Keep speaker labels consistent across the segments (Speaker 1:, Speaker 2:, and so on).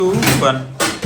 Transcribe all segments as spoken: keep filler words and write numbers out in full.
Speaker 1: two, one.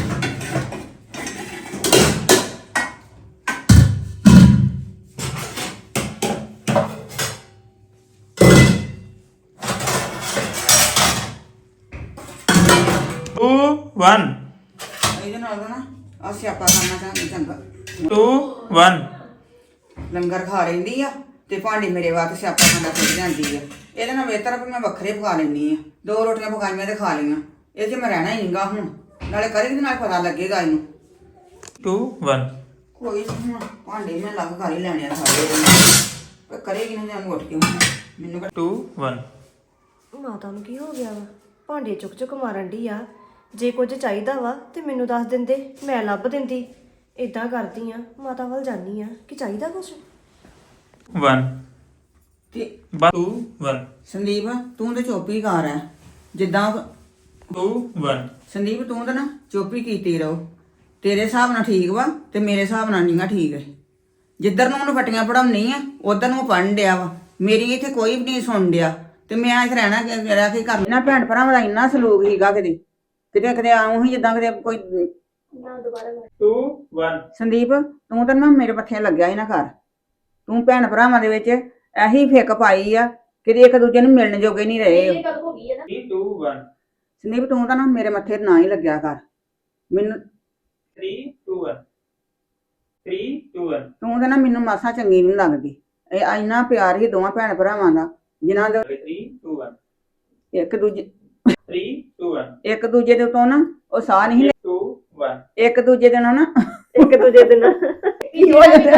Speaker 1: Two, one.
Speaker 2: ਇਹਦੇ ਨਾਲ ਨਾ ਆ ਸਿਆਪਾ ਕਰਨਾ ਚਾਹੁੰਦੀ ਚੰਗਾ
Speaker 1: Two, one.
Speaker 2: ਲੰਗਰ ਖਾ ਲੈਂਦੀ ਆ ਤੇ ਭਾਂਡੇ ਮੇਰੇ ਵਾਸਤੇ ਸਿਆਪਾ ਖਾਂਦਾ ਫਿਰ ਜਾਂਦੀ ਆ। ਇਹਦੇ ਨਾਲ ਬਿਹਤਰ ਵੀ ਮੈਂ ਵੱਖਰੇ ਪਕਾ ਲੈਂਦੀ ਆ। ਦੋ ਰੋਟੀਆਂ ਪਕਾਈਆਂ ਤੇ ਖਾ ਲਈਆਂ। ਇਹ 'ਚ ਮੈਂ ਰਹਿਣਾ ਹੀ ਨਹੀਂਗਾ ਹੁਣ। ਨਾਲੇ ਕਰੇਗੀ ਨਾਲ ਪਤਾ ਲੱਗੇਗਾ ਇਹਨੂੰ।
Speaker 1: Two, one.
Speaker 2: ਕੋਈ ਨੀ ਹੁਣ ਭਾਂਡੇ ਮੈਂ ਲੱਗ ਕਰ ਹੀ ਲੈਣੇ ਆ ਸਾਰੇ ਪਰ ਕਰੇਗੀ ਨਾ ਜਾਨੂੰ ਉੱਠ ਕੇ ਮੈਨੂੰ
Speaker 1: Two, one.
Speaker 3: ਮਾਤਾ ਨੂੰ ਕੀ ਹੋ ਗਿਆ ਵਾ ਭਾਂਡੇ ਚੁੱਕ ਚੁੱਕ ਮਾਰਨ ਡਈ ਆ। ਜੇ ਕੁਝ ਚਾਹੀਦਾ ਵਾ ਤੇ ਮੈਨੂੰ ਦੱਸ ਦਿੰਦੇ, ਮੈਂ ਲੱਭ ਦਿੰਦੀ। ਇਦਾਂ ਕਰਦੀ ਆ, ਮਾਤਾ ਵੱਲ ਜਾਨੀ ਆ ਕਿ ਚਾਹੀਦਾ ਕੁਛ।
Speaker 1: One.
Speaker 2: ਤੇ
Speaker 1: Two, one.
Speaker 2: ਸੰਦੀਪ ਤੂੰ ਤੇ ਚੋਪੀ ਕਰ ਹੈ ਜਿੱਦਾਂ
Speaker 1: Two, one.
Speaker 2: ਸੰਦੀਪ ਤੂੰ ਤਾਂ ਨਾ ਚੋਪੀ ਕੀਤੀ ਰਹੋ। ਤੇਰੇ ਹਿਸਾਬ ਨਾਲ ਠੀਕ ਵਾ ਤੇ ਮੇਰੇ ਹਿਸਾਬ ਨਾਲ ਨਹੀਂਗਾ ਠੀਕ ਹੈ। ਜਿੱਧਰ ਨੂੰ ਉਹਨੂੰ ਫੱਟੀਆਂ ਪੜਾਉਣੀ ਆ ਉਧਰ ਨੂੰ ਪੜਨ ਡਿਆ ਵਾ। ਮੇਰੀ ਇੱਥੇ ਕੋਈ ਵੀ ਨਹੀਂ ਸੁਣ ਡਿਆ ਤੇ ਮੈਂ ਇੱਥੇ ਰਹਿਣਾ ਰਹਿ ਕੇ ਕਰ ਲੈਣਾ। ਭੈਣ ਭਰਾਵਾਂ ਦਾ ਇੰਨਾ ਸਲੂਕ ਹੀਗਾ ਕਿਤੇ ਕਿਤੇ ਕਿਤੇ ਆਉਂ ਹੀ ਜਿੱਦਾਂ ਕਿਤੇ ਕੋਈ
Speaker 1: Two, one.
Speaker 2: ਸੰਦੀਪ ਤੂੰ ਤਾਂ ਨਾ ਮੇਰੇ ਪੱਥੀਆਂ ਲੱਗਿਆ ਹੀ ਨਾ ਕਰ। ਤੂੰ ਭੈਣ ਭਰਾਵਾਂ ਦੇ ਵਿੱਚ ਇਹੀ ਫਿੱਕ ਪਾਈ ਆ ਕਿ ਇੱਕ ਦੂਜੇ ਨੂੰ ਮਿਲਣ ਜੋਗੇ ਨਹੀਂ ਰਹੇ।
Speaker 1: Three, two, one.
Speaker 2: ਸੰਦੀਪ ਤੂੰ ਤਾਂ ਨਾ ਮੇਰੇ ਮੱਥੇ ਨਾ ਹੀ ਲੱਗਿਆ ਕਰ ਮੈਨੂੰ।
Speaker 1: Three, two, one. Three, two, one.
Speaker 2: ਤੂੰ ਤਾਂ ਨਾ ਮੈਨੂੰ ਮਾਸਾ ਚੰਗੀ ਨਹੀਂ ਲੱਗਦੀ। ਇਹ ਇੰਨਾ ਪਿਆਰ ਹੀ ਦੋਵਾਂ ਭੈਣ ਭਰਾਵਾਂ ਦਾ ਜਿਨ੍ਹਾਂ ਦੇ
Speaker 1: Three, two, one.
Speaker 2: ਇੱਕ ਦੂਜੇ
Speaker 1: Three, two, one.
Speaker 2: ਇੱਕ ਦੂਜੇ ਦੇ ਉੱਤੋਂ ਨਾ ਉਹ ਸਾਹ ਨਹੀਂ
Speaker 1: Two, one.
Speaker 2: ਇੱਕ ਦੂਜੇ ਦੇ ਨਾਲ ਨਾ
Speaker 3: ਇੱਕ ਦੂਜੇ ਦੇ ਨਾਲ
Speaker 2: ਕੀ ਹੋ ਜਾਂਦਾ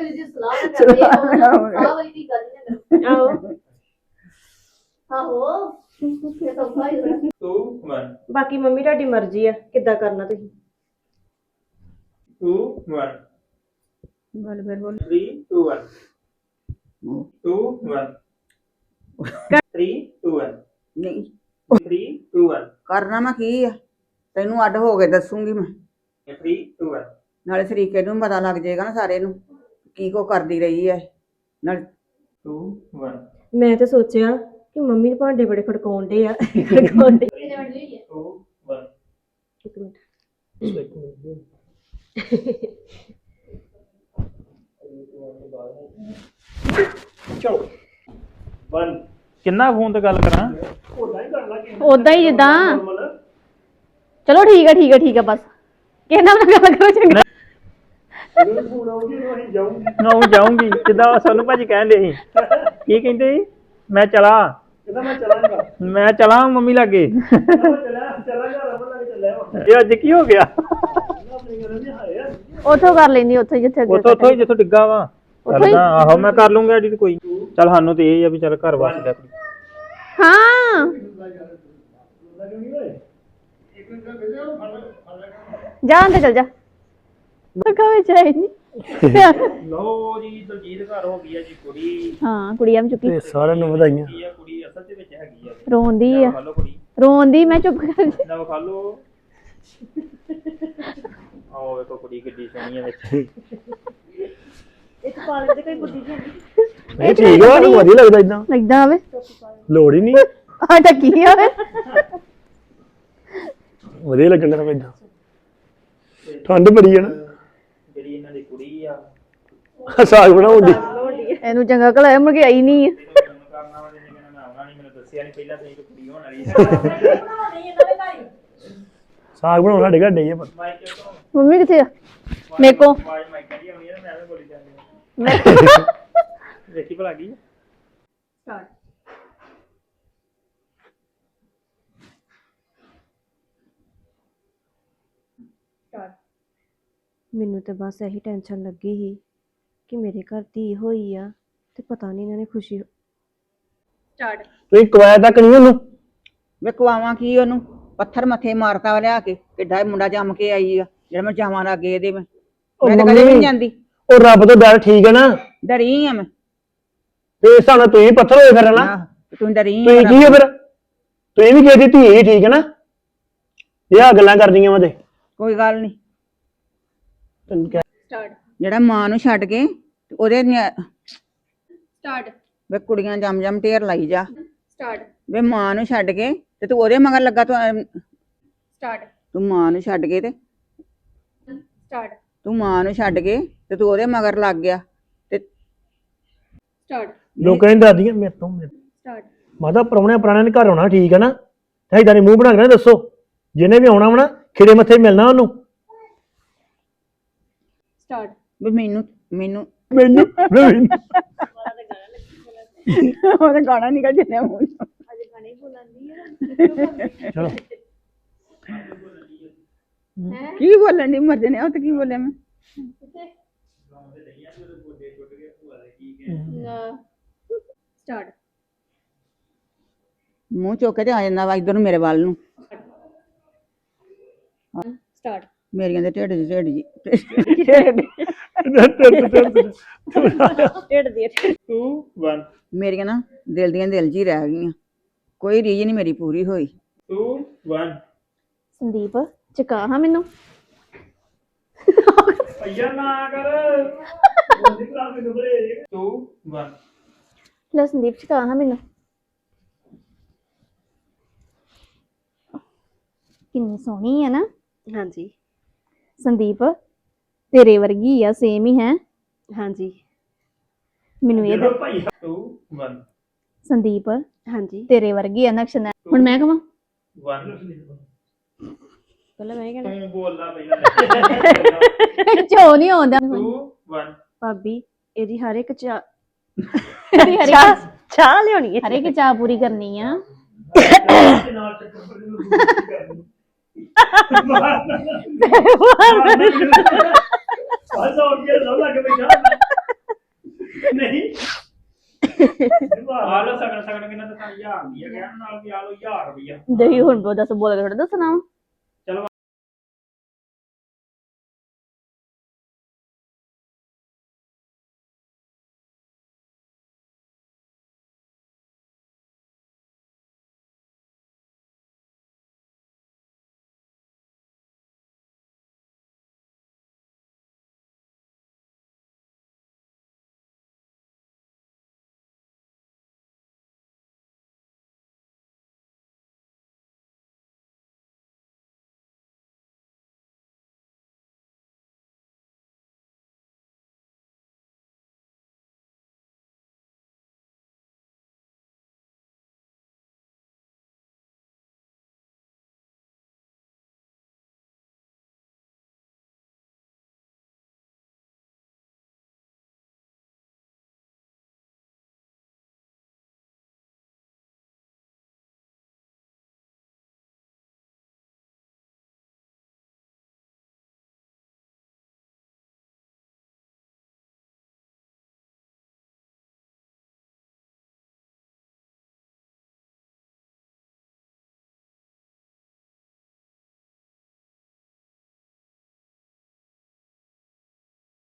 Speaker 3: ਆਹੋ
Speaker 1: Two, one.
Speaker 3: ਬਾਕੀ ਮੰਮੀ ਤੁਹਾਡੀ ਮਰਜ਼ੀ ਆ ਕਿੱਦਾਂ ਕਰਨਾ ਤੁਸੀਂ।
Speaker 1: Two, one.
Speaker 2: ਗੱਲ ਫਿਰ ਬੋਲ।
Speaker 1: Three, two, one. Two, one. Three, two, one.
Speaker 2: ਨਹੀਂ
Speaker 1: Three, two, one.
Speaker 2: ਕਰਨਾ ਮੈਂ ਕੀ ਆ ਤੈਨੂੰ ਅੱਡ ਹੋ ਕੇ ਦੱਸੂਗੀ ਮੈਂ।
Speaker 1: Three, two, one.
Speaker 2: ਨਾਲੇ ਸਰੀਕੇ ਨੂੰ ਪਤਾ ਲੱਗ ਜਾਏਗਾ ਨਾ ਸਾਰੇ ਨੂੰ ਕੀ ਕੋ ਕਰਦੀ ਰਹੀ ਹੈ ਨਾਲ।
Speaker 1: Two, one.
Speaker 3: ਮੈਂ ਤਾਂ ਸੋਚਿਆ ਕਿ ਮੰਮੀ ਦੇ ਭਾਂਡੇ ਬੜੇ ਖੜਕਾਉਣ ਡੇ ਆ ਖੜਕਾਉਣ ਡੇ।
Speaker 1: Two, one.
Speaker 3: ਇੱਕ ਮਿੰਟ
Speaker 1: ਚਲੋ one. ਕਿੰਨਾ ਫੋਨ ਤੇ ਗੱਲ ਕਰਾਂ
Speaker 4: ਉਦਾਂ ਹੀ ਜਿੱਦਾਂ ਚਲੋ ਠੀਕ ਹੈ ਠੀਕ ਹੈ ਠੀਕ ਹੈ ਬਸ ਕਿਸੇ ਨਾਲ ਨਾ ਗੱਲ ਕਰੋ ਚੰਗਾ।
Speaker 1: ਨਾ ਜਾਊਂਗੀ ਜਿੱਦਾਂ ਸੋਨੂੰ ਭਾਜੀ ਕਹਿੰਦੇ ਸੀ ਕੀ ਕਹਿੰਦੇ ਸੀ ਮੈਂ ਚਲਾ ਮੈਂ ਚਲਾਂਗਾ ਮੈਂ ਚਲਾਂ ਮੰਮੀ ਲਾਗੇ ਇਹ ਅੱਜ ਕੀ ਹੋ ਗਿਆ
Speaker 4: ਉੱਥੋਂ ਕਰ ਲੈਂਦੀ ਉੱਥੇ ਜਿੱਥੇ
Speaker 1: ਉੱਥੋਂ ਉੱਥੋਂ ਹੀ ਜਿੱਥੋਂ ਡਿੱਗਾ ਵਾ ਚੱਲ ਆਹੋ ਮੈਂ ਕਰ ਲੂੰਗਾ ਐਡਿਟ ਕੋਈ ਚੱਲ ਸਾਨੂੰ ਤੇ ਇਹ ਆ ਵੀ ਚੱਲ ਘਰ ਵਾਸਦਾ
Speaker 4: ਹਾਂ ਜਾ ਅੰਦਰ ਚਲ ਜਾ ਬਕਾ ਵਿੱਚ ਹੈ ਨਹੀਂ।
Speaker 1: ਲਓ ਜੀ ਦਲਜੀਤ ਘਰ ਹੋ ਗਈ ਆ ਜੀ ਕੁੜੀ
Speaker 4: ਹਾਂ ਕੁੜੀਆਂ ਚੁੱਕੀ
Speaker 5: ਤੇ ਸਾਰਿਆਂ ਨੂੰ ਵਧਾਈਆਂ।
Speaker 1: ਕੀ ਆ ਕੁੜੀ ਅਸਲ ਦੇ ਵਿੱਚ ਹੈਗੀ ਆ
Speaker 4: ਰੋਂਦੀ ਆ
Speaker 1: ਖਾ ਲਓ ਕੁੜੀ
Speaker 4: ਰੋਂਦੀ ਮੈਂ ਚੁੱਪ ਕਰ ਜਾ।
Speaker 1: ਨਾ ਖਾ ਲਓ ਆਓ ਵੇਖੋ ਕੁੜੀ ਕਿੱਡੀ ਸੋਹਣੀ ਆ ਵਿੱਚ
Speaker 3: ਇੱਕ ਪਾਲਕ ਦੇ ਕੋਈ ਗੁੱਡੀ ਜੀ
Speaker 5: ਨਹੀਂ ਠੀਕ ਆ ਵਧੀਆ ਲੱਗਦਾ ਇਦਾਂ
Speaker 4: ਲੱਗਦਾ ਆਵੇ
Speaker 5: ਲੋੜ ਹੀ ਨਹੀਂ
Speaker 4: ਆ ਟੱਕੀ ਆਵੇ
Speaker 5: ਵਧੀਆ ਲੱਗਣ ਦਾ ਇਦਾਂ ਠੰਡ ਬੜੀ ਹੈ ਨਾ
Speaker 1: ਜਿਹੜੀ ਇਹਨਾਂ ਦੀ ਕੁੜੀ ਆ
Speaker 5: ਸਾਗ ਬਣਾਉਂਦੀ
Speaker 4: ਇਹਨੂੰ ਚੰਗਾ ਘਲਾਇਆ ਮੁੜ ਕੇ ਆਈ ਨਹੀਂ
Speaker 1: ਕਰਨਾ ਵਾਲੇ ਨੇ ਕਹਿੰਦਾ ਮੈਂ ਆਉਣਾ ਨਹੀਂ ਮੈਨੂੰ ਦੱਸਿਆ ਨਹੀਂ ਪਹਿਲਾਂ ਤੇ ਕੁੜੀ ਹੋਣ ਵਾਲੀ
Speaker 5: ਸਾਗ ਬਣਾਉਣ ਸਾਡੇ ਘਰ ਨਹੀਂ ਹੈ ਪਰ
Speaker 1: ਮਾਈਕ ਤੋਂ
Speaker 4: ਮੰਮੀ ਕਿੱਥੇ ਆ ਮੇਰੇ ਕੋ
Speaker 1: ਆਵਾਜ਼ ਮਾਈਕ ਦੀ ਆਉਣੀ ਆ ਮੈਂ ਐਵੇਂ ਬੋਲੀ ਜਾਂਦੀ
Speaker 4: ਮੈਂ
Speaker 1: ਦੇਖੀ ਭਲਾ ਕੀ
Speaker 3: ਸਟਾਰਟ ਸਟਾਰਟ ਮੈਨੂੰ ਤੇ ਬਸ ਇਹੀ ਟੈਨਸ਼ਨ ਲੱਗੀ ਸੀ ਕਿ ਮੇਰੇ ਘਰ ਧੀ ਹੋਈ ਆ ਤੇ ਪਤਾ ਨਹੀਂ ਇਹਨਾਂ ਨੇ ਖੁਸ਼ੀ ਸਟਾਰਟ
Speaker 5: ਤੁਸੀਂ ਕਵਾਇਆ ਤੱਕ ਨਹੀਂ ਉਹਨੂੰ
Speaker 2: ਵੇ ਕਵਾਵਾਂ ਕੀ ਉਹਨੂੰ ਪੱਥਰ ਮੱਥੇ ਮਾਰਤਾ ਲਿਆ ਕੇ ਕਿੱਡਾ ਇਹ ਮੁੰਡਾ ਜੰਮ ਕੇ ਆਈ ਆ ਜਿਹੜਾ ਮੈਂ ਜਾਵਾਂ ਲੱਗੇ ਇਹਦੇ ਮੈਂ ਮੈਂ ਤਾਂ ਕਦੇ ਵੀ ਨਹੀਂ ਜਾਂਦੀ।
Speaker 5: ਉਹ ਰੱਬ ਤੋਂ ਡਰ ਠੀਕ ਹੈ ਨਾ
Speaker 2: ਡਰੀ ਆ ਮੈਂ
Speaker 5: ਤੇ ਇਸ ਹਿਸਾਬ ਨਾਲ ਤੁਸੀਂ ਪੱਥਰ ਹੋਏ ਫਿਰ ਨਾ
Speaker 2: ਆਹ, ਤੂੰ ਡਰੀ ਆ
Speaker 5: ਤੁਸੀਂ ਕੀ ਹੋ ਫਿਰ ਤੁਸੀਂ ਵੀ ਕਿਸੇ ਦੀ ਧੀ ਹੀ ਠੀਕ ਹੈ ਨਾ ਇਹ ਆ ਗੱਲਾਂ ਕਰਦੀਆਂ ਵਾ ਤੇ
Speaker 2: ਕੋਈ ਗੱਲ ਨਹੀਂ।
Speaker 5: ਤੈਨੂੰ ਕਹਿ
Speaker 3: ਸਟਾਰਟ
Speaker 2: ਜਿਹੜਾ ਮਾਂ ਨੂੰ ਛੱਡ ਕੇ ਤੇ ਉਹਦੇ
Speaker 3: ਸਟਾਰਟ
Speaker 2: ਵੇ ਕੁੜੀਆਂ ਜੰਮ ਜੰਮ ਢੇਰ ਲਾਈ ਜਾ।
Speaker 3: ਸਟਾਰਟ
Speaker 2: ਵੇ ਮਾਂ ਨੂੰ ਛੱਡ ਕੇ ਤੇ ਤੂੰ ਉਹਦੇ ਮਗਰ ਲੱਗਾ ਤੂੰ
Speaker 3: ਸਟਾਰਟ
Speaker 2: ਤੂੰ ਮਾਂ ਨੂੰ ਛੱਡ ਕੇ ਤੇ
Speaker 4: ਸਟਾਰਟ
Speaker 2: ਤੂੰ ਮਾਂ ਨੂੰ ਛੱਡ ਕੇ ਤੇ ਤੂੰ ਉਹਦੇ ਮਗਰ ਲੱਗ ਗਿਆ ਤੇ
Speaker 4: ਸਟਾਰਟ
Speaker 5: ਲੋਕਾਂ ਨੇ ਦਾਦੀਆਂ ਮੇਰੇ ਤੋਂ ਮੇਰੇ-
Speaker 4: ਸਟਾਰਟ
Speaker 5: ਮਾਤਾ ਪ੍ਰਾਹੁਣਿਆਂ ਪੁਰਾਣਿਆਂ ਨੇ ਘਰ ਆਉਣਾ ਠੀਕ ਹੈ ਨਾ ਤੇ ਇਦਾਂ ਦੇ ਮੂੰਹ ਬਣਾ ਕੇ ਨਾ ਦੱਸੋ ਜਿਹਨੇ ਵੀ ਆਉਣਾ ਵਾ ਨਾ ਖਿੜੇ ਮੱਥੇ ਮਿਲਣਾ ਉਹਨੂੰ
Speaker 4: ਸਟਾਰਟ
Speaker 2: ਵੀ ਮੈਨੂੰ ਮੈਨੂੰ
Speaker 5: ਮੈਨੂੰ ਮੈਨੂੰ
Speaker 2: ਉਹਦਾ ਗਾਣਾ ਨਿਕਲ ਜਿੰਨੇ ਮੂੰਹ ਚੋਂ।
Speaker 5: ਚਲੋ
Speaker 2: ਕੀ ਬੋਲਣ ਦੀ ਮਰ ਜਨੇ ਉਹ ਤੇ ਕੀ ਬੋਲਿਆ ਮੈਂ
Speaker 4: ਸਟਾਰਟ
Speaker 2: ਮੂੰਹ ਚੁੱਕ ਕੇ ਤੇ ਆ ਜਾਂਦਾ ਵਾ ਇੱਧਰ ਨੂੰ ਮੇਰੇ ਵੱਲ ਨੂੰ
Speaker 4: ਸਟਾਰਟ
Speaker 2: ਮੇਰੀਆਂ ਦੇ ਢਿੱਡ ਜੀ ਢਿੱਡ ਜੀ
Speaker 4: ਢਿੱਡ ਦੀ
Speaker 1: ਟੂ ਵਨ
Speaker 2: ਮੇਰੀਆਂ ਨਾ ਦਿਲ ਦੀਆਂ ਦਿਲ 'ਚ ਹੀ ਰਹਿ ਗਈਆਂ ਕੋਈ ਰੀਝ ਨਹੀਂ ਮੇਰੀ ਪੂਰੀ ਹੋਈ
Speaker 1: ਟੂ ਵਨ
Speaker 4: ਸੰਦੀਪ ਚਕਾ ਹਾਂ ਮੈਨੂੰ
Speaker 1: ਭਈਆ ਨਾ ਕਰ ਬੋਲੀ ਭਰਾ ਮੈਨੂੰ ਬੜੇ ਟੂ ਵਨ
Speaker 4: ਲੈ ਸੰਦੀਪ ਚਕਾ ਹਾਂ ਮੈਨੂੰ ਕਿੰਨੀ ਸੋਹਣੀ ਹੈ ਨਾ
Speaker 3: ਹਾਂਜੀ
Speaker 4: ਸੰਦੀਪ ਤੇਰੇ ਵਰਗੀ ਆ ਸੇਮ ਹੀ ਹੈ
Speaker 3: ਹਾਂਜੀ
Speaker 4: ਮੈਨੂੰ ਇਹ
Speaker 1: ਜਦੋਂ ਭਈਆ ਟੂ ਵਨ
Speaker 4: ਸੰਦੀਪ
Speaker 3: ਹਾਂਜੀ
Speaker 4: ਤੇਰੇ ਵਰਗੀ ਆ ਨਕਸ਼ਨਾ ਹੁਣ ਮੈਂ ਕਹਾਂ
Speaker 1: ਵਨ
Speaker 3: ਪਹਿਲਾਂ ਮੈਂ ਕਹਿਣਾ
Speaker 1: ਤੂੰ ਬੋਲਦਾ ਪਹਿਲਾਂ
Speaker 4: ਚੋ ਨਹੀਂ ਆਉਂਦਾ
Speaker 1: ਟੂ ਵਨ
Speaker 3: ਭਾਬੀ ਇਹਦੀ ਹਰ ਇੱਕ ਚਾਹ
Speaker 4: ਹਰੇ ਹਰੇ
Speaker 3: ਚਾਹ ਲਿਆਉਣੀ ਹੈ
Speaker 4: ਹਰੇ ਕੀ ਚਾਹ ਪੂਰੀ ਕਰਨੀ ਆ
Speaker 1: ਨਾਲ ਚੱਕਰ ਨੂੰ ਕਰਨੀ ਬਸ ਹੋ ਗਿਆ ਲੋ ਲੱਗ ਬੈਠਾ ਨਹੀਂ ਆਲੋ ਸਗਣ ਸਗਣ ਕਿੰਨਾ ਤਾਂ ਹਜ਼ਾਰ ਦੀ ਹੈ ਕਹਿਣ ਨਾਲ ਵੀ ਆਲੋ ਹਜ਼ਾਰ ਰੁਪਈਆ
Speaker 4: ਦਹੀਂ ਹੁਣ ਦੱਸ ਬੋਲ ਕੇ ਥੋੜਾ ਦੱਸਣਾ ਵਾ